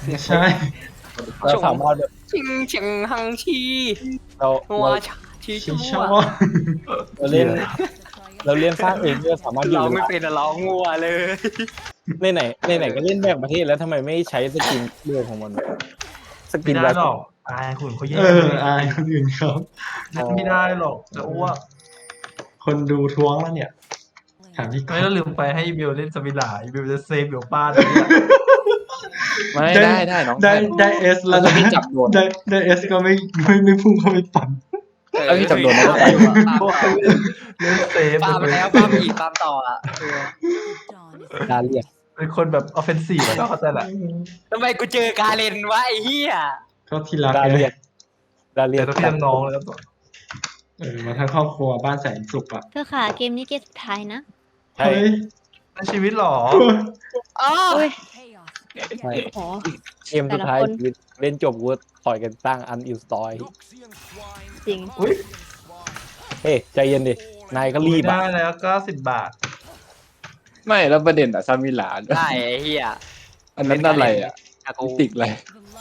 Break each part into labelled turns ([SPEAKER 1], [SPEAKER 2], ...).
[SPEAKER 1] ใช่
[SPEAKER 2] เราสามารถแบบ
[SPEAKER 3] ชิงเฉียงหังชี
[SPEAKER 2] เรา
[SPEAKER 3] หัวชี
[SPEAKER 1] ชิ
[SPEAKER 3] ชั่
[SPEAKER 1] ชาว
[SPEAKER 3] ว
[SPEAKER 2] เราเล่นเราเล่นสร้างเองเราสามารถอยู่
[SPEAKER 3] เรา
[SPEAKER 2] เว
[SPEAKER 3] ไม่
[SPEAKER 2] ลา
[SPEAKER 3] เป็นเรางัวเลย
[SPEAKER 2] ในไหนก็เล่นแบ่งประเทศแล้วทำไมไม่ใช้สกินเรื่องของมันสกิ
[SPEAKER 4] ไม่
[SPEAKER 2] น
[SPEAKER 4] ได้
[SPEAKER 2] แบบ
[SPEAKER 4] หรอกอายคุณเขาแย่
[SPEAKER 1] อายคนอื่นเขา
[SPEAKER 4] ไม่ได้หรอกจะอ้วก
[SPEAKER 1] คนดูท้วงแล้วเนี่ยถามพี่ก๊
[SPEAKER 4] ไม่
[SPEAKER 1] อ
[SPEAKER 4] ต้อ
[SPEAKER 1] ฟ
[SPEAKER 4] งลืมไปให้บิวเล่นสมิลาบิวจะเซฟเดี๋ยวป้าเลยเนี่ย
[SPEAKER 2] ไม่ได้น้อง
[SPEAKER 1] ได้เอสแล้วนะ
[SPEAKER 2] พี่จับโดน
[SPEAKER 1] ได้เอสก็ไม่พุ่งเข้าไปปั่น
[SPEAKER 2] แล้วพี่จำโดนแล้วก็ไป
[SPEAKER 4] พวกเล่นเซฟ
[SPEAKER 3] ปาล์มแล้วปาล์มอีกปาล์มต่ออ่ะ
[SPEAKER 2] ดาเรียก
[SPEAKER 4] เป็นคนแบบออฟเฟนซีฟแล้วเข้าใจแหละ
[SPEAKER 3] ทำไมกูเจอกาเลนวะไอ้เหี้ย
[SPEAKER 1] ก็ที่รัก
[SPEAKER 2] ดา
[SPEAKER 1] ไง
[SPEAKER 2] เรียก
[SPEAKER 4] แต่ต้องพี่น้องๆแล้วก็
[SPEAKER 1] มาทั้งครอบครัวบ้านแสนสุขอ่ะ
[SPEAKER 5] เธอค่ะเกมนี้เกมสุดท้ายนะ
[SPEAKER 2] ใช่
[SPEAKER 1] เฮ้ย
[SPEAKER 4] ในชีวิตหรอ
[SPEAKER 3] อ๋อ
[SPEAKER 5] อุ้ย
[SPEAKER 2] ใช่
[SPEAKER 5] โห
[SPEAKER 2] เกมสุดท้าย
[SPEAKER 5] แต่ละคน
[SPEAKER 2] ชีวิตเล่นจบกูต่อยกันตั้งอันอินสตอย
[SPEAKER 5] จริง
[SPEAKER 4] อุ้ย
[SPEAKER 2] เฮ้ยใจเย็นดินายก็รีบ
[SPEAKER 4] ได้
[SPEAKER 2] อ่ะ
[SPEAKER 4] แล้ว90 บาท
[SPEAKER 6] ไม่แล้วประเด็นอะซามิลา
[SPEAKER 3] ได้ไอ้เหี้ย
[SPEAKER 6] อันนั้นอะไรอะ
[SPEAKER 3] อากู
[SPEAKER 6] มิติกอะไร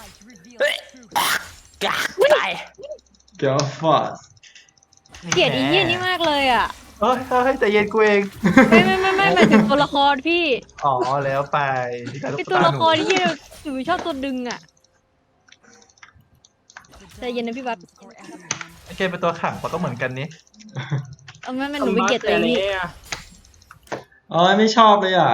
[SPEAKER 3] กะตาย
[SPEAKER 1] เกียวฟอส
[SPEAKER 5] เกลียดอีเหี้ยนี่มากเลยอ่ะ
[SPEAKER 4] เฮ้ยใจเย็นกูเอง
[SPEAKER 5] ไม่หมายถึงตัวละครพี่
[SPEAKER 4] อ๋อแล้วไปที่การ
[SPEAKER 5] ไอ
[SPEAKER 4] ตุ๊ก
[SPEAKER 5] ตัว
[SPEAKER 4] ตา
[SPEAKER 5] ละ
[SPEAKER 4] ห
[SPEAKER 5] ค
[SPEAKER 4] นู
[SPEAKER 5] รที่หนูชอบตัวดึงอ่ะใจเย็นนะพี่บัส
[SPEAKER 4] โอเคเป็นตัวขังปะก็เหมือนกันนี่
[SPEAKER 5] เอาไม่หนูไม่เกลียดตัวเองนี่
[SPEAKER 1] อ๋อไม่ชอบเลยอ่ะ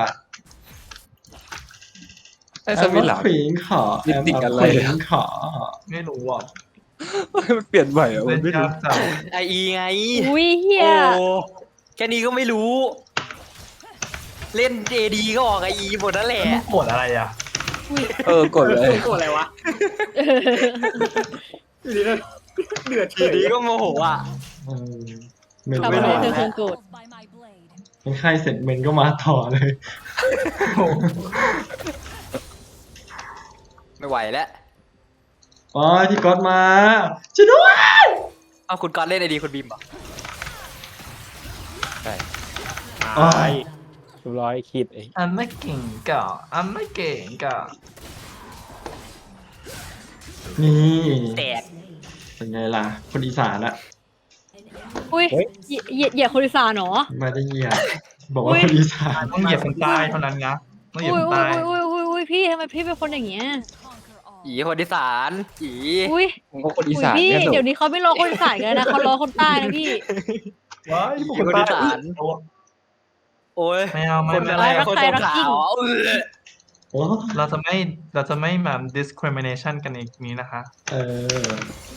[SPEAKER 6] ไอ้ซามิลา
[SPEAKER 1] ขวิงขอ
[SPEAKER 6] มิติกอะไร
[SPEAKER 1] ขวิงขอ
[SPEAKER 4] ไม่รู้อ่ะ
[SPEAKER 6] มันเปลี่ยนใหม่อะ
[SPEAKER 4] เล่
[SPEAKER 6] มัน
[SPEAKER 4] น
[SPEAKER 6] ไม่รู้
[SPEAKER 4] ยากจัง
[SPEAKER 3] ไออีไง
[SPEAKER 5] อุ้ยเฮีย
[SPEAKER 3] โอ้แค่นี้ก็ไม่รู้ เล่นเจดีก็ออกไออีหมดนั่นแหละ
[SPEAKER 4] มึงโกรธอะไรอ่ะ
[SPEAKER 6] กดเลย
[SPEAKER 3] โกรธอะไรวะเดือดทีนี้ก็โมโหอ่ะ
[SPEAKER 1] เออไม่
[SPEAKER 5] ทำ
[SPEAKER 1] รู้
[SPEAKER 5] อะไร
[SPEAKER 1] ว่า
[SPEAKER 5] เธอคงโกรธ
[SPEAKER 1] เป็นใครเสร็จเมนก็มาต่อเลย
[SPEAKER 3] ไม่ไหวแล้ว
[SPEAKER 1] อ๋อที่ก๊อตมาช่วยด้วย
[SPEAKER 3] เอาคุณกอนเล่นไอดีคุณบีมเหรอ
[SPEAKER 1] อ๋อ
[SPEAKER 2] ร้อยคิดไอ้
[SPEAKER 4] อันไม่เก่งก่ะอันไม่เก่งก่ะ
[SPEAKER 1] นี่
[SPEAKER 3] แตก
[SPEAKER 1] เป็นไงล่ะ คนอีสานอะ
[SPEAKER 5] อุ้ยเหยียดคนอีสานเหรอ
[SPEAKER 1] ไม่ได้เหยียดบอกว่าคนอีสาน
[SPEAKER 4] ต้องเหยียบคนใต้เท่านั้นนะต้องเหยียบ
[SPEAKER 5] อุ้
[SPEAKER 4] ค
[SPEAKER 5] ย
[SPEAKER 4] น
[SPEAKER 5] อุ้
[SPEAKER 4] ใต้
[SPEAKER 5] ยพี่ทำไมพี่เป็นคนอย่างเงี้ย
[SPEAKER 3] อีคนที่สารอี
[SPEAKER 5] อุ้ย
[SPEAKER 6] ผมก็คนอี
[SPEAKER 5] อุ้ย
[SPEAKER 6] สาน
[SPEAKER 5] พี่
[SPEAKER 6] เนี่ยหนู
[SPEAKER 5] เดี๋ยวนี้เขาไม่รอคนอีสานกันนะเขารอคนใต้นะพี่
[SPEAKER 4] ว้ายพวกคนใต้อุ๊ย
[SPEAKER 3] โอ้ย
[SPEAKER 4] ไม่เอาไม่
[SPEAKER 3] คน
[SPEAKER 4] ไม่
[SPEAKER 3] อะไร
[SPEAKER 4] ไม่
[SPEAKER 3] คน
[SPEAKER 5] ใคร
[SPEAKER 3] สง
[SPEAKER 5] รัก
[SPEAKER 3] ขา
[SPEAKER 5] จริง
[SPEAKER 3] วเออ
[SPEAKER 1] โอ้
[SPEAKER 4] เราจะไม่มา discrimination กันอีกนี้นะคะ
[SPEAKER 1] เออ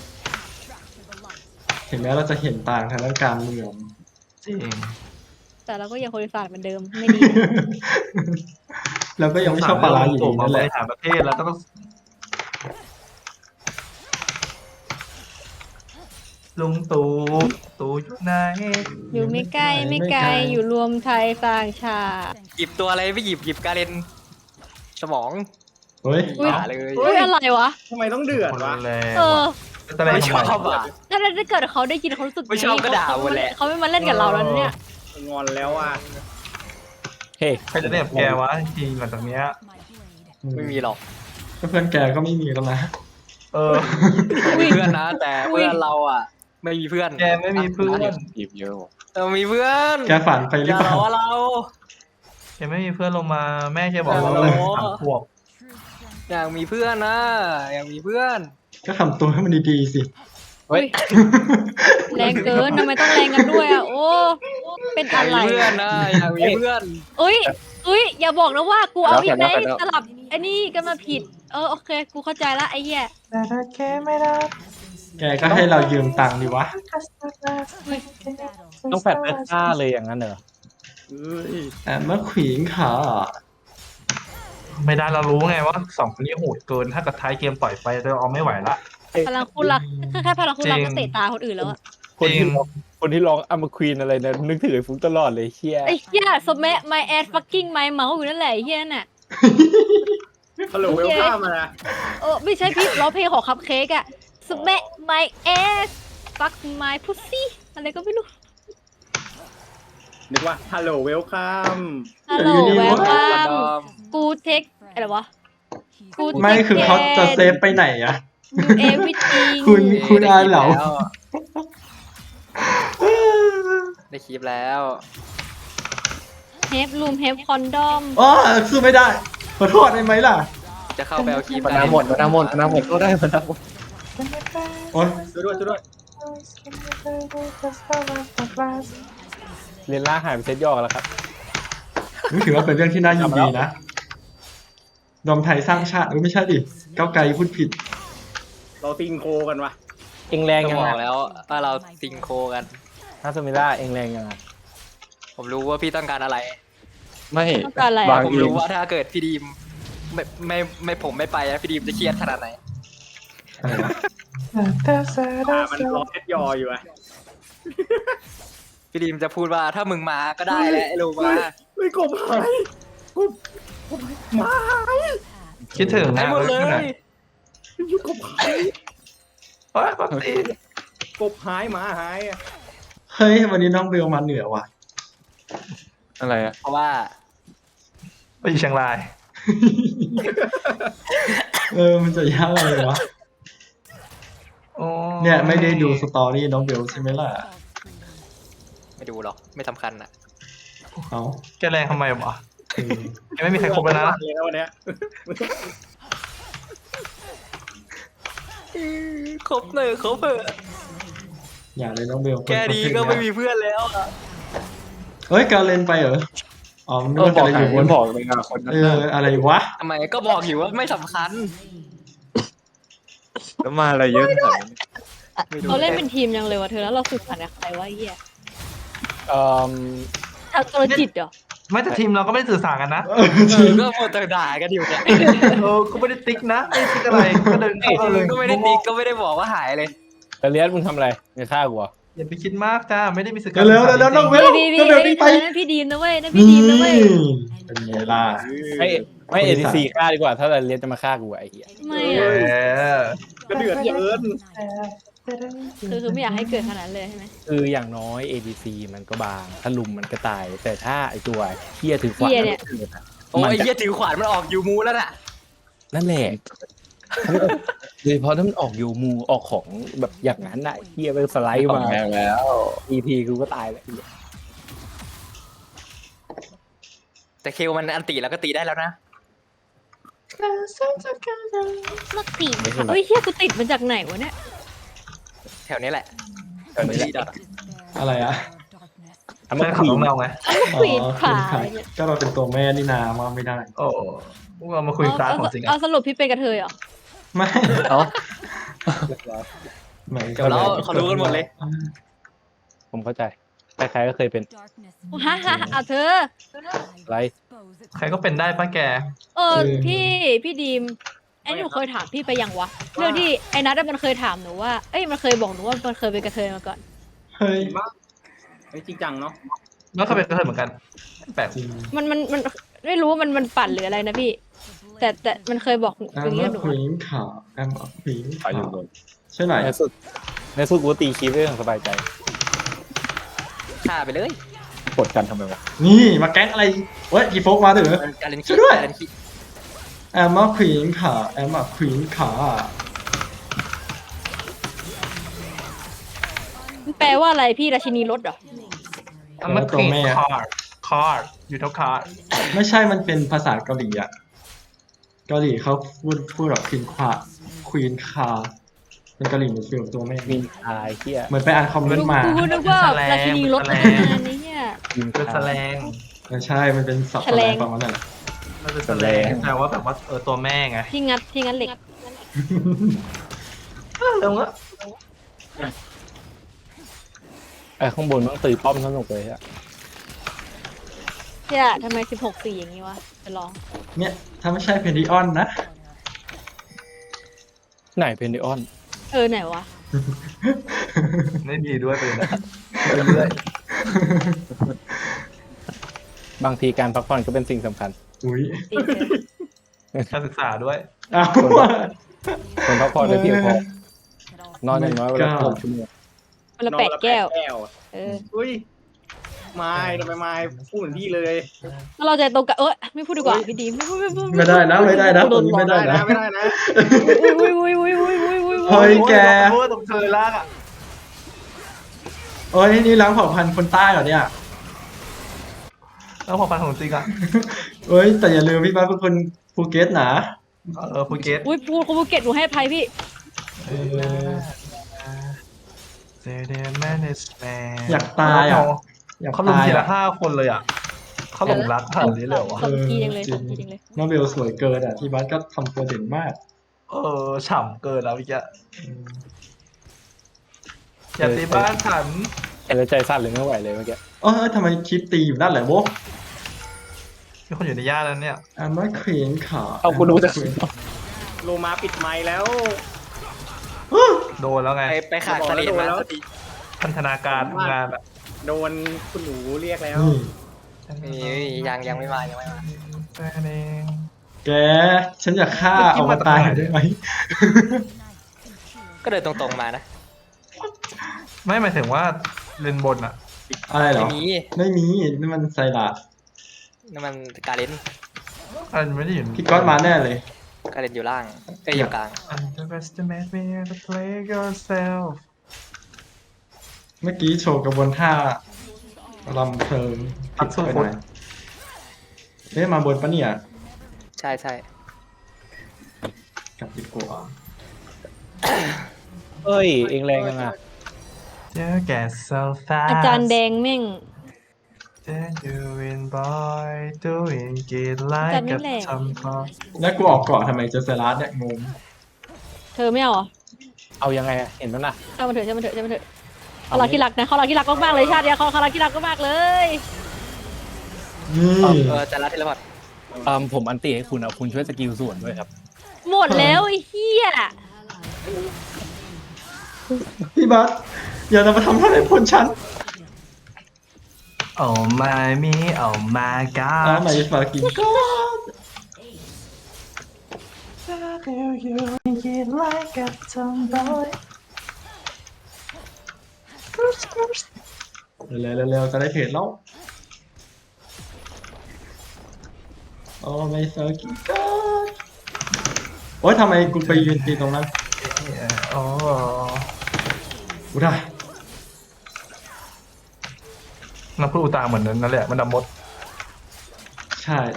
[SPEAKER 1] ถึงแม้เราจะเห็นต่างทางด้านการเมือง
[SPEAKER 4] จริง
[SPEAKER 5] แต่เราก็ยังคนอีสานเหมือนเดิมไม่ดี
[SPEAKER 1] แล้วก็ยังไม่ชอบปลาร้าอยู่ดี
[SPEAKER 4] มา
[SPEAKER 1] นั่น
[SPEAKER 4] บ
[SPEAKER 1] แหละ
[SPEAKER 4] ริหารประเทศแล้วก็ต้องลุงตู่อยู่ไหน
[SPEAKER 5] อยู่ไม่ใกล้อยู่รวมไทยสร้างชาติ
[SPEAKER 3] หยิบตัวอะไรไม่หยิบกาเลนสมอง
[SPEAKER 1] เฮ้ย
[SPEAKER 5] อุ๊ย
[SPEAKER 3] อย่าเลย
[SPEAKER 5] อุ้ยอะไรวะ
[SPEAKER 7] ทำไมต้องเดือด
[SPEAKER 4] คน
[SPEAKER 7] วะ
[SPEAKER 4] แรง
[SPEAKER 5] เออ
[SPEAKER 4] แต่อะไร
[SPEAKER 3] ไม่ช
[SPEAKER 4] ทำ
[SPEAKER 3] อบ
[SPEAKER 4] ไม
[SPEAKER 3] อ่ะ
[SPEAKER 5] ถ้าเกิดเขาได้ยินเขารู้สึก
[SPEAKER 3] ไม่ชอบก็ด่าหมดแหละ
[SPEAKER 5] เขาไม่มาเล่นกับเราแล้วเนี่ย
[SPEAKER 7] งอนแล้วอ่ะ
[SPEAKER 2] เฮ้ย
[SPEAKER 4] ใครจะเล่นกับแกวะจริงๆหลังจากเนี้ย
[SPEAKER 3] ไม่มีหรอก
[SPEAKER 1] ก็เพื่อนแกก็ไม่มีแล้วนะ
[SPEAKER 4] เออ
[SPEAKER 3] มีเพื่อนนะ แต่เพื่อนเราอ่ะ ไม่มีเพื่อน
[SPEAKER 4] แกไม่มีเพื่อน
[SPEAKER 6] บีบเยอะว่ะ
[SPEAKER 3] เรามีเพื่อน
[SPEAKER 1] แกฝันไปห
[SPEAKER 3] อ
[SPEAKER 1] รือย่
[SPEAKER 3] า
[SPEAKER 1] เปล่า
[SPEAKER 3] ล้อเรา
[SPEAKER 4] แกไม่มีเพื่อนลงมา แม่แกบอกว่า
[SPEAKER 3] โอ้
[SPEAKER 4] เรา
[SPEAKER 3] โห
[SPEAKER 4] สามขวบ
[SPEAKER 3] อยากมีเพื่อนนะอยากมีเพื่อน
[SPEAKER 1] ก็ทำตัวให้มันดีๆสิ
[SPEAKER 6] เฮ้ย
[SPEAKER 5] แรงเกินทำไมต้องแรงกันด้วยอ่ะโอ้เป็น
[SPEAKER 3] อยาก
[SPEAKER 5] อะไร
[SPEAKER 3] มีเพื่อนนะอยากมีเพื่อน
[SPEAKER 5] อุ้ยอย่าบอกนะว่ากูเอาอีกไหนสลับไอ้นี่กันมาผิดโอเคกูเข้าใจละไอ้เหี้ย
[SPEAKER 4] แต่ถ้าแกไม่ได้
[SPEAKER 1] แกก็ให้เรายืมตังค์ดีวะ
[SPEAKER 2] ต้องแฟดเลือดฆ่าเลยอย่างนั้นเหรอ
[SPEAKER 1] แต่เมื่อขวิงขา
[SPEAKER 4] ไม่ได้เรารู้ไงว่าสองคนนี้โหดเกิน ถ้ากับท้ายเกมปล่อยไปเราเอาไม่ไหวละ
[SPEAKER 5] พลังคุณรักแค่พลังคุณรัก
[SPEAKER 4] จริง
[SPEAKER 5] ก็เตะตาคนอื่นแล้วอะ
[SPEAKER 2] คนที่ร้องอัมควีนอะไรนะนึกถึงไอ้ฟุกตลอดเลยเชี่ย
[SPEAKER 5] ไอ้เหี้ยสมัย my ass fucking my mouth อยู่นั่นแหละไอ้เหี้ยน่ะ
[SPEAKER 7] ฮัลโหลเวลข้ามมานะ
[SPEAKER 5] ไม่ใช่พี่ร้องเพลงของคัพเค้กอะ smack my ass fuck my pussy อะไรก็ไม่รู้
[SPEAKER 7] นึกว่าฮัลโหลเวลข้าม
[SPEAKER 5] ฮัลโหล
[SPEAKER 1] อยู่ดี
[SPEAKER 5] แว
[SPEAKER 1] วะ
[SPEAKER 5] ลคั
[SPEAKER 3] ด
[SPEAKER 5] ม
[SPEAKER 3] อม
[SPEAKER 5] กูเทคอะไรวะกู
[SPEAKER 1] ไม่คือเขาจะเซฟไปไหนอะ
[SPEAKER 5] ดูเอวิติง
[SPEAKER 1] คุณอาเหลา
[SPEAKER 3] ได้คลิปแล้ว
[SPEAKER 5] เฮฟรูมเฮฟคอนดอม
[SPEAKER 1] อ๋อสู้ไม่ได้ ขอโทษได้ไหมล่ะ
[SPEAKER 3] จะเข้าไปเอาคลิป
[SPEAKER 6] มันน้ำหมดมันน้ำหมดมันน้ำหมดก็ได้มันน้ำหมด
[SPEAKER 1] โอ๊ย
[SPEAKER 7] ช่วยด้วยช่วยด้วย
[SPEAKER 2] เรียนล่าหายไปเซตย่อแล้วครับ
[SPEAKER 1] นี่ถือว่าเป็นเรื่องที่น่ายินดีนะรวมไทยสร้างชาติไม่ใช่ดิก้าวไกลพูดผิด
[SPEAKER 7] เราติงโคกันวะ
[SPEAKER 2] เองแรง
[SPEAKER 3] ก็
[SPEAKER 2] ยัง
[SPEAKER 3] บ
[SPEAKER 2] ไง
[SPEAKER 3] อกแล้วว่าเราซิงโคกัน
[SPEAKER 2] ถ้าสมิล่าเองแรงยังไง
[SPEAKER 3] ผมรู้ว่าพี่ต้องการอะไร
[SPEAKER 6] ไม่
[SPEAKER 5] ต้องการอะไร
[SPEAKER 6] บาง
[SPEAKER 5] อะ
[SPEAKER 3] ผม
[SPEAKER 6] เอง
[SPEAKER 3] รู้ว่าถ้าเกิดพี่ดีมไม่ผมไม่ไปอะพี่ดีมจะเครียดขนาดไหน
[SPEAKER 1] อะไรวะ
[SPEAKER 7] มันรอเซ็ตยออยู่อะ
[SPEAKER 3] พี่ดีมจะพูดว่าถ้ามึงมาก็ได้แหละไอ้ลูกมา
[SPEAKER 7] เฮ้ยกบหายกบหมาหาย
[SPEAKER 4] คิดถึง
[SPEAKER 3] ให้
[SPEAKER 4] นะ
[SPEAKER 3] หมดเลย
[SPEAKER 7] ยุกบหาย
[SPEAKER 4] เฮ้ยปกติ
[SPEAKER 7] กบหายหมาหายอะ
[SPEAKER 1] เฮ้ยวันนี้น้องเบลมาเหนือว่ะ
[SPEAKER 6] อะไรอ่ะ
[SPEAKER 3] เพราะว่า
[SPEAKER 4] ไปอยู่เชียงราย
[SPEAKER 1] มันจะยากอะไรวะ
[SPEAKER 4] โอ้
[SPEAKER 1] เนี่ยไม่ได้ดูสตอรี่น้องเบลใช่ไหมล่ะ
[SPEAKER 3] ไม่ดูหรอกไม่สำคัญอ่ะ
[SPEAKER 1] เอา
[SPEAKER 4] แกแรงทำไมวะ
[SPEAKER 1] คือ
[SPEAKER 4] ยังไม่มีใครครบเลยนะ
[SPEAKER 7] แล้ววันเนี้ย
[SPEAKER 3] ครบเลยครบเถอะ
[SPEAKER 1] อย่าเลยน้องเบล
[SPEAKER 3] แค่นี้ก็ไม่มีเพื่อนแล้วอะ
[SPEAKER 1] เฮ้ยการเล่นไปเหรออ๋อมัน
[SPEAKER 6] เออ
[SPEAKER 1] ว่า
[SPEAKER 6] บ
[SPEAKER 1] จะ
[SPEAKER 6] อก
[SPEAKER 1] อยู่บ
[SPEAKER 6] มัน นบอกเลยอ่ะคนนั้น
[SPEAKER 1] อะไรวะ
[SPEAKER 3] ทำไมก็บอกอยู่ว่าไม่สำคัญ
[SPEAKER 6] แล้วมาอะไรเยอะขนาดนี้
[SPEAKER 3] ไม่ดู
[SPEAKER 5] เราเล่นเป็นทีมยังเลยวะเธอแล้วเราสื่อสารกับใครวะไอ้เหี้ย
[SPEAKER 2] เอ่อ
[SPEAKER 5] ทางตัวจิตเหรอ
[SPEAKER 4] ไม่แต่ทีมเราก็ไม่ได้สื่อสารกันนะ
[SPEAKER 3] ก็หมดแต่ด่ากันอยู่เนี่ย
[SPEAKER 4] ก็ไม่ได้ติ๊กนะไม่ได้ติ๊กอะไรก็เดินเข้าเลย
[SPEAKER 3] ก็ไม่ได้ติ๊กก็ไม่ได้บอกว่าหายเลย
[SPEAKER 2] แต่เลียสมึงทำอะไรในฆ่ากูเหรอ
[SPEAKER 4] อย่าไปคิดมากจ้าไม่ได้มีสื่อ
[SPEAKER 1] เร็วๆน้องเบล
[SPEAKER 5] พี่
[SPEAKER 1] น้องเบลนี่ไป
[SPEAKER 5] นั่นพี่ดีมนะเว้ยนั่นพี่ดีมนะเว้ย
[SPEAKER 1] เป็นไงล่ะ
[SPEAKER 2] ไม่เอทีซีฆ่าดีกว่า ถ้าเลียสจะมาฆ่ากูไอ้เหี้ย
[SPEAKER 5] ไม่
[SPEAKER 4] เอ
[SPEAKER 5] อะ
[SPEAKER 4] อ
[SPEAKER 7] ก็เดือดเกิน
[SPEAKER 5] คือไม่อยากให้เกิดขนาดนั้นเลยใช่ไหม
[SPEAKER 2] คืออย่างน้อย ADC มันก็บาง ถ้าลุมมันก็ตาย แต่ถ้าไอตัวเฮียถือขวาน
[SPEAKER 3] โอ้ยไอ้เหี้ยถือขวานมันออกยูมูแล้วน่ะ
[SPEAKER 2] นั่นแหละโดยเฉพาะถ้ามันออกยูมูออกของแบบอย่างนั้นน่ะเฮียไปสไลด์
[SPEAKER 6] ของ
[SPEAKER 2] มา
[SPEAKER 6] แรงแล้ว
[SPEAKER 2] EP กูก็ตายแล้ว
[SPEAKER 3] แต่เคลมันอันตีแล้วก็ตีได้แล้วนะ
[SPEAKER 5] ลักตีเฮ้ยเฮียกูติดมาจากไหนวะเนี่ย
[SPEAKER 3] แถวนี้แหละ
[SPEAKER 2] แถวนี้แหละ
[SPEAKER 3] ดอท
[SPEAKER 1] อะไรอ่ะ
[SPEAKER 2] ทำ
[SPEAKER 4] ใช่
[SPEAKER 2] มา
[SPEAKER 4] ขับ
[SPEAKER 2] ผี
[SPEAKER 4] ของเราไง
[SPEAKER 5] ควีนขา
[SPEAKER 1] ก็เราเป็นตัวแม่นี่นามาไม่ได้
[SPEAKER 4] โอ้พวกเรามาคุยคลาสของจริง
[SPEAKER 5] เอา
[SPEAKER 4] อ่ะ
[SPEAKER 5] สรุปพี่เป็นกระเทยเหรอ
[SPEAKER 1] ไม่
[SPEAKER 6] เอ้า
[SPEAKER 1] ไม่
[SPEAKER 3] เดี๋ยวเราเขารู้กันหมดเลย
[SPEAKER 2] ผมเข้าใจใครๆก็เคยเป็น
[SPEAKER 5] ฮ่าฮ่าเอาเธอ
[SPEAKER 2] ไร
[SPEAKER 4] ใครก็เป็นได้ป้าแก
[SPEAKER 5] พี่ดีมไอ้หนูเคยถามพี่ไปยังวะเรื่องที่ไอ้นัทมันเคยถามหนูว่าเอ้ยมันเคยบอกหนูว่ามันเคยเป็นกระเทยมาก่อน
[SPEAKER 1] เฮ้ย
[SPEAKER 7] มากไม่จริงจังเนาะ
[SPEAKER 4] แล้วก็เป็นกระเทยเหมือนกันแปลก
[SPEAKER 1] จริง
[SPEAKER 5] มันไม่รู้ว่ามันปั่นหรืออะไรนะพี่ แต่มันเคยบอกอย่างนี้กับหนู
[SPEAKER 1] ควีนขาแอมควีน
[SPEAKER 6] ขายอยู่บน
[SPEAKER 1] ใช่ไหม
[SPEAKER 2] ในสุดกูตีคลิปเรื่องสบายใจ
[SPEAKER 3] ฆ่าไปเลย
[SPEAKER 6] กดกันทำไมวะ
[SPEAKER 1] นี่มาแก๊งอะไรเว้ยกีโฟกมาเถอะ
[SPEAKER 3] การเล่น
[SPEAKER 1] ช่วยด้วย
[SPEAKER 3] การเล่นขี้
[SPEAKER 1] แอมควีนขาแอมควีนขา
[SPEAKER 5] มันแปลว่าอะไรพี่ราชินีรถเหรอ
[SPEAKER 4] ๆอันนั้นคือคาร์ดอยู่เท่าคาร์ด
[SPEAKER 1] ไม่ใช่มันเป็นภาษาเกาหลีอ่ะเกาหลีเขาพูดแบบควีนขาเป็นเกาหลีมันฟิลตัวแม่
[SPEAKER 2] มีตายเฮีย
[SPEAKER 1] เหมือนไปอ่านคอมเมนต์มา
[SPEAKER 5] กูนึกว่าราชินีรถนะนี่เนี่ย
[SPEAKER 2] ยิง
[SPEAKER 4] เป็นแสลง
[SPEAKER 1] ไม่ใช่มันเป็นศัพท์
[SPEAKER 5] แฉลง
[SPEAKER 1] ประมาณนั้นแหละ
[SPEAKER 4] มันเป็นแสลงแปลว่าแบบว่าตัวแม่ไง
[SPEAKER 5] ที่งัดเหล็ก
[SPEAKER 4] เร็วละ
[SPEAKER 2] ไอ้ข้างบนต้องตีป้อมสนุกเลยอะ
[SPEAKER 5] เนี่ยทำไม16-4อย่างนี้วะจะลอง
[SPEAKER 1] เนี่ยถ้าไม่ใช่เพนดิออนนะ
[SPEAKER 2] ไหนเพนดิออน
[SPEAKER 5] ไหนวะ
[SPEAKER 4] ไม่ดีด้วยไปเลยนะ
[SPEAKER 2] บางทีการพักผ่อนก็เป็นสิ่งสำคัญ
[SPEAKER 1] อุ้ย
[SPEAKER 5] ตีเธอ
[SPEAKER 4] การศึกษาด้วย
[SPEAKER 1] เอา
[SPEAKER 2] คนพักผ่อนได้เพียงพอนอนอย่างน้อยวันละ6 ชั่วโมง
[SPEAKER 5] วันละ8 แก้ว
[SPEAKER 7] แก้ว
[SPEAKER 5] เออ
[SPEAKER 7] อุ้ยไม่ทำไมไม่พูดเหมือนพี่เลย
[SPEAKER 5] แล้วเราใจตรงกันไม่พูดดีกว่าพี่ดีมไม่พูด
[SPEAKER 1] ไม่ได้นะไม่ได้นะตรงนี้ไม่ได้นะ
[SPEAKER 7] ไม่ได้นะ
[SPEAKER 5] อุ้ย
[SPEAKER 1] เฮ้ยแก
[SPEAKER 4] โอ้ยตรงเธอลากอ่ะ
[SPEAKER 1] โอ้ยนี่ล้างเผ่าพันธุ์คนใต้เหรอเนี่ย
[SPEAKER 4] แล้วพอฟันของจริงอ่ะ
[SPEAKER 1] เอ้ยแต่อย่าลืมพี่บ้านเป็นคนภูเก็ตนะ
[SPEAKER 4] ภูเก็ต
[SPEAKER 5] อุ้ยพูดภูเก็ตหนูให้อภัยพี่
[SPEAKER 4] เจเดนแมนสแมน
[SPEAKER 1] อยากตายอ่ะอยาก
[SPEAKER 4] เขาลุม
[SPEAKER 1] ตาย
[SPEAKER 4] ทีละ
[SPEAKER 1] อ่ะ
[SPEAKER 4] 5 คนเลยอ่ะเขาหลงรักขนาดนี้เลยเหรอวะ
[SPEAKER 5] สมทีจังเลยสมทีจังเลย
[SPEAKER 1] น้องเบลสวยเกินอ่ะที่บ้านก็ทำตัวเด่นมาก
[SPEAKER 4] ฉ่ำเกินแล้วพี่แกอย่าตีบ้านฉัน
[SPEAKER 2] เห็นแล้วใจสั่นเลยไม่ไหวเลยเมื่อกี้
[SPEAKER 1] ทำไมคลิปตีอยู่นั่นแหละโว้
[SPEAKER 4] มีคนอยู่ในย่านนั้นเนี่ย
[SPEAKER 1] อันว่าควีนขา
[SPEAKER 2] เอาคุณรู้จัก
[SPEAKER 7] โลมาปิดไมค์แล้ว
[SPEAKER 4] โดนแล้วไง
[SPEAKER 3] ไปขาดสลิดมาสักที
[SPEAKER 4] พันธนาการทำงานอ่ะ
[SPEAKER 7] โดนคุณหนูเรียกแล้ว
[SPEAKER 3] นี่ยังไม่มา
[SPEAKER 4] แค่นี้
[SPEAKER 1] แกฉันอยากฆ่าเอามาตายได้ไหม
[SPEAKER 3] ก็เดินตรงๆมานะ
[SPEAKER 4] ไม่หมายถึงว่าเลนบนอ่ะ
[SPEAKER 1] อะไรเหร
[SPEAKER 3] ไม่
[SPEAKER 1] อ
[SPEAKER 3] มี
[SPEAKER 1] ไม่มีนี่มันไซรัส
[SPEAKER 3] นั่นมันการเลน
[SPEAKER 4] อันไม่ได้อยู่
[SPEAKER 1] พี่ก๊อตมาแน่เลย
[SPEAKER 3] การเลนอยู่ล่างอยู่กลาง
[SPEAKER 4] Underestimate me to play yourself
[SPEAKER 1] เมื่อกี้โชว์กระบวนท่าลำเพลิงผิดไปหน่อยมาบนปะเนี่ย
[SPEAKER 3] ใช่
[SPEAKER 1] กลับดีกว่า
[SPEAKER 2] เอ้ยเองแรงยังอ่ะ
[SPEAKER 4] You get so fast
[SPEAKER 5] อาจารย์แดงแม่ง
[SPEAKER 4] Then you win boy doing it like
[SPEAKER 5] จันนี่
[SPEAKER 4] a
[SPEAKER 5] แหละ
[SPEAKER 4] tomboy
[SPEAKER 1] แล้วกูออกเกาะทำไมเจอไซรัสเนี่ยงง
[SPEAKER 5] เธอไม่เอาเหรอ
[SPEAKER 2] เอายังไงอะเห็นแล้วนะ
[SPEAKER 5] ช่างมันเถอะเขารักที่รักนะเขารักที่รักมากๆเลยชาติเนี้ยเขารักที่รักมากๆเลย
[SPEAKER 1] นี่
[SPEAKER 3] จะรัดเทเลพอร์ต
[SPEAKER 2] ผมอันตีให้คุณเอาคุณช่วยสกิลส่วนด้วยครับ
[SPEAKER 5] หมดแล้วไอ้เหี้ย
[SPEAKER 1] พี่บัสอย่ามาทำอะไรพลฉัน
[SPEAKER 4] Oh my me oh my
[SPEAKER 1] อ่ะ
[SPEAKER 4] god
[SPEAKER 1] มาฝากกินก็
[SPEAKER 4] You it like a tomboy
[SPEAKER 1] เร็วจะได้เพจแล้วโอ้ไม่ฝากกินก็โอ๊ยทำไมกูไปยืนตีตรงนั้น
[SPEAKER 4] โอ้
[SPEAKER 1] กูได้
[SPEAKER 4] น้ำพึ่งอุตาเหมือนนั้นนั่นแหละมันดำมด
[SPEAKER 1] ใช่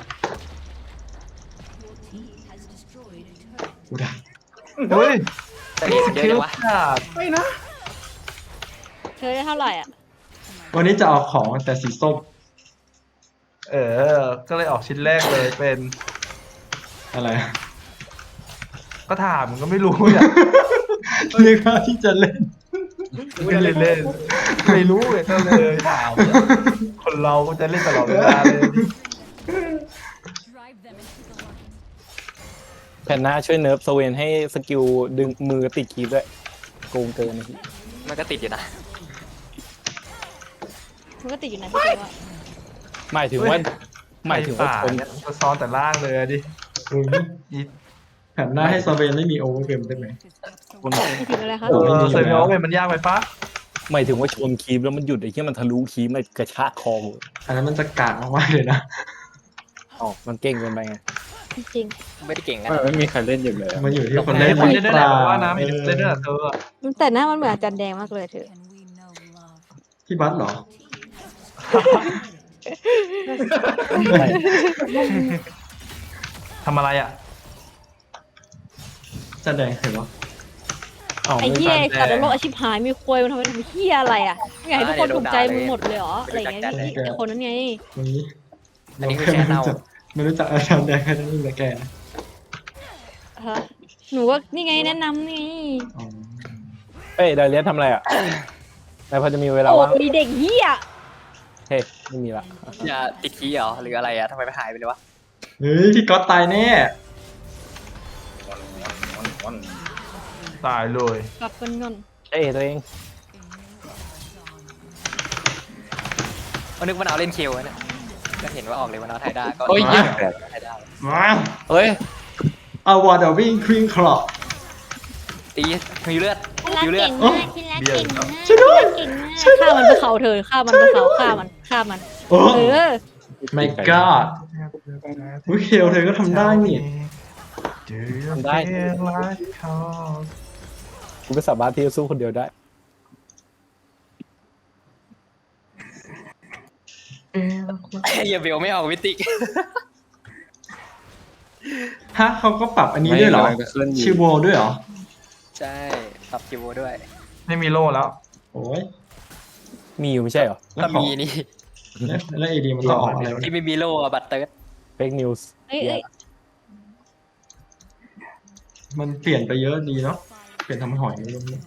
[SPEAKER 1] กูได้
[SPEAKER 4] เฮ้ย
[SPEAKER 3] แต่นี่เยอะจังวะ
[SPEAKER 4] ขาด
[SPEAKER 7] ไม่นะ
[SPEAKER 5] เธอได้เท่าไหร่อ่ะ
[SPEAKER 1] วันนี้จะเอาของแต่สีส้ม
[SPEAKER 4] ก็เลยออกชิ้นแรกเลยเป็น
[SPEAKER 1] อะไร
[SPEAKER 4] ก็ถามก็ไม่รู้เนี่ย
[SPEAKER 1] นึกว่าที่จะเล่น
[SPEAKER 4] ไม่เล่นเล่นไม่รู้เลยก็เลยถามคนเราก็จะเล่นตลอดเวลาเลย
[SPEAKER 2] แผ่นหน้าช่วยเนิร์ฟสเวนให้สกิลดึงมือติดคีบด้วยโกงเกินนะพี่
[SPEAKER 3] มันก็ติดอยู่นะ
[SPEAKER 5] มันก็ติดอยู่นะพี่เจ๊ว่า
[SPEAKER 2] หมายถึงว่าชน
[SPEAKER 4] จะซ้อนแต่ล่างเลยดิ
[SPEAKER 1] อุ้ย
[SPEAKER 4] อี
[SPEAKER 1] แผ่นหน้าให้ซาเวนไม่มีโอเวอร์เวมได้ไหม
[SPEAKER 2] คน
[SPEAKER 5] ไม่ถึงอะไรครับ
[SPEAKER 4] เซมิโอเวนมันยากไปปะ
[SPEAKER 2] หมายถึงว่าชนคีบแล้วมันหยุดไอ้ที่มันทะลุคีบมันกระชากคอผม
[SPEAKER 1] อันนั้นมันจะกากมากๆเลยนะ
[SPEAKER 2] อ๋อมันเก่งเกินไปไง
[SPEAKER 5] จริง
[SPEAKER 3] ไม่ได้เก่งกัน
[SPEAKER 6] ไม่มีใครเล่นอยู่เลยอะ
[SPEAKER 1] มันอยู่ที่คน
[SPEAKER 4] เล่
[SPEAKER 1] เล่
[SPEAKER 4] น
[SPEAKER 1] น
[SPEAKER 4] คน
[SPEAKER 1] ห
[SPEAKER 4] เล่น
[SPEAKER 1] รือ
[SPEAKER 4] ได้
[SPEAKER 1] เป
[SPEAKER 4] แหละ
[SPEAKER 1] ล่า
[SPEAKER 4] ว่านะมีเล่นได้เธอ
[SPEAKER 5] แต่หน้ามันเหมือนอาจารย์แดงมากเลยเธอ
[SPEAKER 1] พี่บัสเหรอ
[SPEAKER 4] ทำอะไรอ่ะ
[SPEAKER 1] จะแดงเห็นเหรอ
[SPEAKER 2] อ๋อ
[SPEAKER 5] ไอ้
[SPEAKER 2] ไม่
[SPEAKER 5] เหี้ย
[SPEAKER 2] ใช่
[SPEAKER 5] สัตว์โลกอาชีพหายมีควยมันทำไมทำเหี้ยอะไรอ่ะไม่อยากให้ทุกคนถูกใจมึงหมดเลยเหรออะไรอย่างเงี้ยพี่ไอ้คนนั้นไง
[SPEAKER 1] วันนี้
[SPEAKER 3] อันนี้คือแค่เน่า
[SPEAKER 1] ไม่รู้จักอาจารย์แดงแค่นั้นเองแต่แกนะ
[SPEAKER 5] ฮะหนูว่านี่ไงแนะนำนี่
[SPEAKER 1] อ๋อ
[SPEAKER 2] เอ้ยไดเลียสทำอะไรอ่ะนายพอจะมีเวลา
[SPEAKER 5] โอ้
[SPEAKER 2] ว่าง
[SPEAKER 5] ยเด็กเหี้ย
[SPEAKER 2] เฮ้ยไม่มีละ
[SPEAKER 3] อย่าติดขี้เหรอหรืออะไรอะทำไมไปหายไปเลยวะ
[SPEAKER 1] เฮ้ยพี่ก๊อตตายแน่
[SPEAKER 4] ตายเลย
[SPEAKER 5] กลับกันเงิน
[SPEAKER 2] เอ้ยตัวเอง
[SPEAKER 3] นึกว่าเอาเล่นคิวเนี่ยก็เห็นว่าออกเลยว่าเอาไทยได้ก็
[SPEAKER 2] โอ้ย
[SPEAKER 3] ไทยได้
[SPEAKER 1] มา
[SPEAKER 2] เฮ้ย
[SPEAKER 1] เอาวอร์ดวิ่งควีนคลอ
[SPEAKER 3] ตีมีเลือด
[SPEAKER 5] รัก
[SPEAKER 3] มีเลือ
[SPEAKER 5] เก่
[SPEAKER 3] ด
[SPEAKER 5] งมากที่รักเก่งมาก
[SPEAKER 1] ช่วยด้วย
[SPEAKER 5] เก่งมากฆ่ามันไปเขาเธอฆ่ามันไปเขาฆ่ามันฆ่ามัน
[SPEAKER 1] โอ้
[SPEAKER 5] เออ
[SPEAKER 1] my god อุ๊ยเฮลเธอก็ทำได้นี่
[SPEAKER 2] ทำได้ กูไม่สามารถที่จะสู้คนเดียวได้
[SPEAKER 3] อย่าเบลไม่ออกวิติก
[SPEAKER 1] ฮะเขาก็ปรับอันนี้ด้วยเหรอ
[SPEAKER 6] ไม่กำลังจะขึ้นอยู่
[SPEAKER 1] ชิโวด้วยเหรอ
[SPEAKER 3] ใช่ปรับคิวด้วย
[SPEAKER 4] ไม่มีโล่แล้ว
[SPEAKER 1] โอ้ย
[SPEAKER 2] มีอยู่ไม่ใช่เหรอ
[SPEAKER 1] แล้ว
[SPEAKER 3] ถ้า
[SPEAKER 1] ของ
[SPEAKER 3] มีนี่
[SPEAKER 1] แล้วเอดีมันต้องออกอะไรวะ
[SPEAKER 3] ที่ไม่มีโล่อะบัตเตอร์
[SPEAKER 2] fake news
[SPEAKER 5] เอ้ยเอ้ย
[SPEAKER 1] มันเปลี่ยนไปเยอะดีเนาะ เปลี่ยนทำหอยลงเนี่ย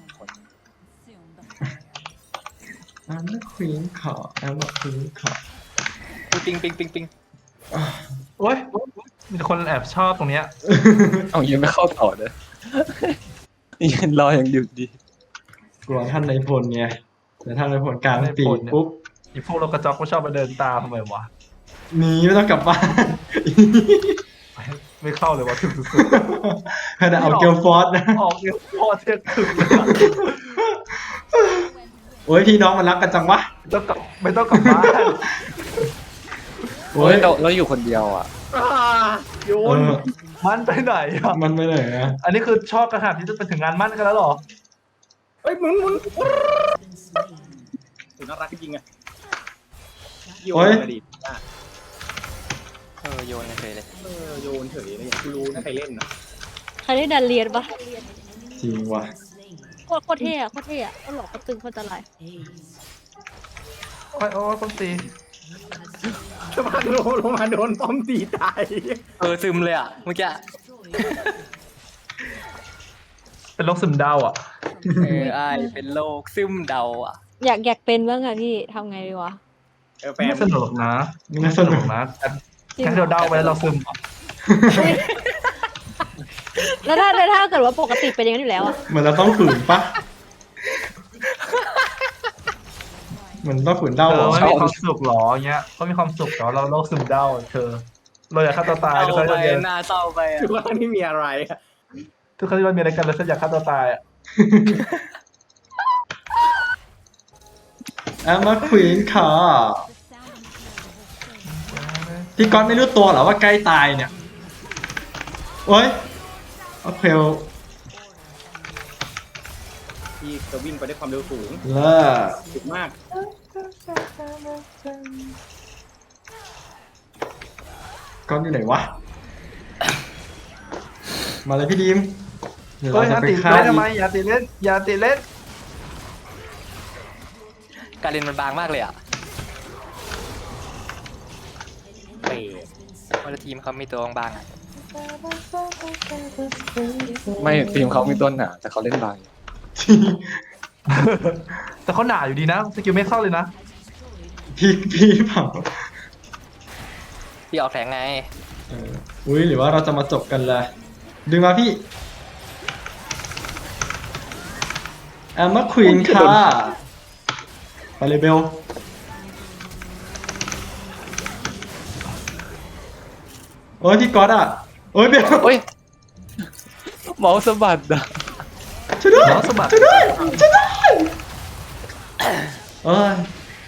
[SPEAKER 1] อันนั้นควีนขออันนั้นควีนขอ
[SPEAKER 3] ปิงปิงปิงปิง
[SPEAKER 4] โอ้ยมีคนแอบชอบตรงเนี้ย
[SPEAKER 6] เอายังไม่เข้าต่อเลยยังรออย่างอยู่ดี
[SPEAKER 1] กลัวท่านในายพลไงแต่ท่านในายพลกลางปีกปุ๊บ
[SPEAKER 4] อีพวกเรากระจอกก็ชอบมาเดินตามทำไมวะ
[SPEAKER 1] หนีไม่ต้องกลับบ้าน
[SPEAKER 4] ไม่เข้าเลยว่าถึงสุด
[SPEAKER 1] ขนาดเอาเกลฟอร์สนะ
[SPEAKER 4] ๆออกเดียวพอเที่ยงคืนเลยอะ
[SPEAKER 1] โอ้ยพี่น้องมันรักกันจังวะ
[SPEAKER 4] ไม่ต้องกลับบ้าน
[SPEAKER 1] โอ้
[SPEAKER 6] โอ้
[SPEAKER 1] ย
[SPEAKER 6] ยเราอยู่คนเดียวอ่ะ
[SPEAKER 4] โยนมันไปไหนอ่ะ
[SPEAKER 1] มันไปไหนอะ
[SPEAKER 4] อันนี้คือชอบกระหาดที่จะไปถึงงานมั่นกันแล้วเหรอ
[SPEAKER 7] เฮ้ยหมุนน่ารักจริงๆอะโยนอดีต
[SPEAKER 3] โยนกันเฉยเลย
[SPEAKER 7] โยนเฉยเลยอย่างกูรู้นะใครเล่นนะ
[SPEAKER 5] ใครได้ดันเรียนปะ
[SPEAKER 1] จริงว่ะ
[SPEAKER 5] โคตรเท่อะโคตรเท่อะก็หลอกก็ตึงโคตรจะไร
[SPEAKER 4] โอ้ยโอ้ยต้นตี
[SPEAKER 7] ลงมาโดนป้อมตีตาย
[SPEAKER 3] ซึมเลยอ่ะเมื่อกี้
[SPEAKER 4] เป็นโรคซึมเดาอ่ะ
[SPEAKER 3] ไอเป็นโรคซึมเดาอ่ะ
[SPEAKER 5] อยากเป็นบ้างอะพี่ทำไงดีวะ
[SPEAKER 7] แฟน
[SPEAKER 4] ไม่สนุกหรอกนะ
[SPEAKER 1] ไม่
[SPEAKER 4] ไม่
[SPEAKER 1] ส
[SPEAKER 4] ส
[SPEAKER 1] นุ
[SPEAKER 4] นุ
[SPEAKER 1] ก
[SPEAKER 4] กนะแค่เราเดาไปแล้วเราซึม
[SPEAKER 5] แล้วถ้าเกิดว่าปกติเป็นอย่างนั้นอยู่แล้วอะ
[SPEAKER 1] เหมือนเราต้องฝืนปะเหมือนต้องฝืนเด้า
[SPEAKER 4] เธ
[SPEAKER 1] เหร
[SPEAKER 4] อ
[SPEAKER 1] อ
[SPEAKER 4] ไม่มีความสุขหรอเงี้ยเขามีความสุขแต่ว่าเราโรคซึมเดาเธอเราอยากฆ่าตัวตายทุกครั้ง
[SPEAKER 3] ไป
[SPEAKER 4] ที่เรา
[SPEAKER 3] หน้าเศร้าไปอ่ะ
[SPEAKER 7] คือว่าไม่มีอะไรอะ
[SPEAKER 4] ทุกครั้งที่เรามีอะไรกันเราอยากฆ่าตัวตายอ่ะ
[SPEAKER 1] แอมมาควีนค่ะพี่ก๊อตไม่รู้ตัวเหรอว่าใกล้ตายเนี่ย โอ้ยโอเค
[SPEAKER 7] ที่จะวิ่งไปด้วยความเร็วสูง
[SPEAKER 1] เลิศ
[SPEAKER 7] สูงมาก
[SPEAKER 1] ก๊อตอยู่ไหนวะ มาเลยพี่ดีมเดี๋ยว
[SPEAKER 4] เฮ้
[SPEAKER 1] เรา
[SPEAKER 4] ย
[SPEAKER 1] จะ
[SPEAKER 4] อย่า
[SPEAKER 1] ไป
[SPEAKER 4] ติด
[SPEAKER 1] ฆ่า
[SPEAKER 4] เล่น
[SPEAKER 1] อี
[SPEAKER 4] ทำไม
[SPEAKER 1] ก
[SPEAKER 4] อย่าติดเล่นอย่าติดเล่น
[SPEAKER 3] การเล่นมันบางมากเลยอ่ะ
[SPEAKER 7] เป๋
[SPEAKER 3] วันละทีมเขามีตัวบางๆอะ
[SPEAKER 6] ไม่ทีมเขามีต้นหนาแต่เขาเล่นบาง
[SPEAKER 4] แต่เขาหนาอยู่ดีนะสกิลไม่เข้าเลยนะ
[SPEAKER 1] พี่เผา
[SPEAKER 3] พี่ออกแสงไง
[SPEAKER 1] อุ้ยหรือว่าเราจะมาจบกันเลยดึงมาพี่แอมมาควีนค่ะไปเลยเบลโอ้ยพี่ก๊อตอ่ะโอ้ยเบล
[SPEAKER 6] โอ้ยเมาส์สะบัดอ่ะ
[SPEAKER 1] ช่วยด้วย
[SPEAKER 4] น้องสะบัด
[SPEAKER 1] ช่วยด้วยช่วยด้วยเอ้ย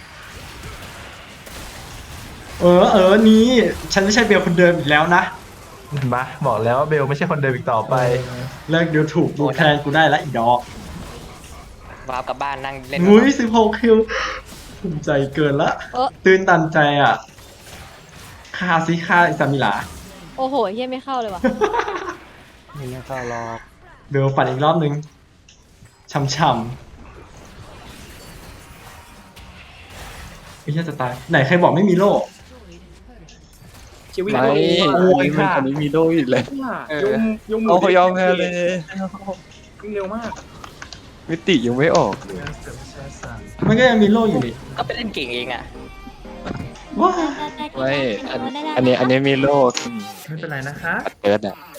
[SPEAKER 1] นี่ฉันไม่ใช่เบลคนเดิมอีกแล้วนะ
[SPEAKER 4] มาบอกแล้วว่าเบลไม่ใช่คนเดิมอีกต่อไป
[SPEAKER 1] เลิกดูถูกดูแทนกูได้แล้วอีดอก
[SPEAKER 3] วาร์ปกลับบ้านนั่งเล่น
[SPEAKER 1] อุ้ย16 คิวภูมิใจเกินละ
[SPEAKER 5] เออ
[SPEAKER 1] ตื่นตันใจอ่ะฆ่าซิฆ่าอิซามิลา
[SPEAKER 5] โอ้โหเฮียไม่เข้าเลยว่ะ
[SPEAKER 2] ไม่น่าเข้าหรอก
[SPEAKER 1] เบลฝันอีกรอบนึงช่ำๆไม่ใช่จะตาย ไหนใครบอกไม่มีโล่
[SPEAKER 7] ชีวิต
[SPEAKER 6] ไม่
[SPEAKER 4] โอ้ยค่ะ
[SPEAKER 6] อันนี้มีโดอีกเลย
[SPEAKER 7] ยงมื
[SPEAKER 6] เอาเขายอมแพ้เลย
[SPEAKER 7] วิ่งเร็วมาก
[SPEAKER 6] มิติยังไม่ออกเลย
[SPEAKER 1] มันก็ยังมีโล่อยู่ดิ
[SPEAKER 3] ก็ไปเล่นเก่งเองอ่ะ
[SPEAKER 1] ว้า
[SPEAKER 6] ไม่อันนี้มีโล
[SPEAKER 4] ไม่เป็นไรนะคะ
[SPEAKER 6] เกิดอ่ะ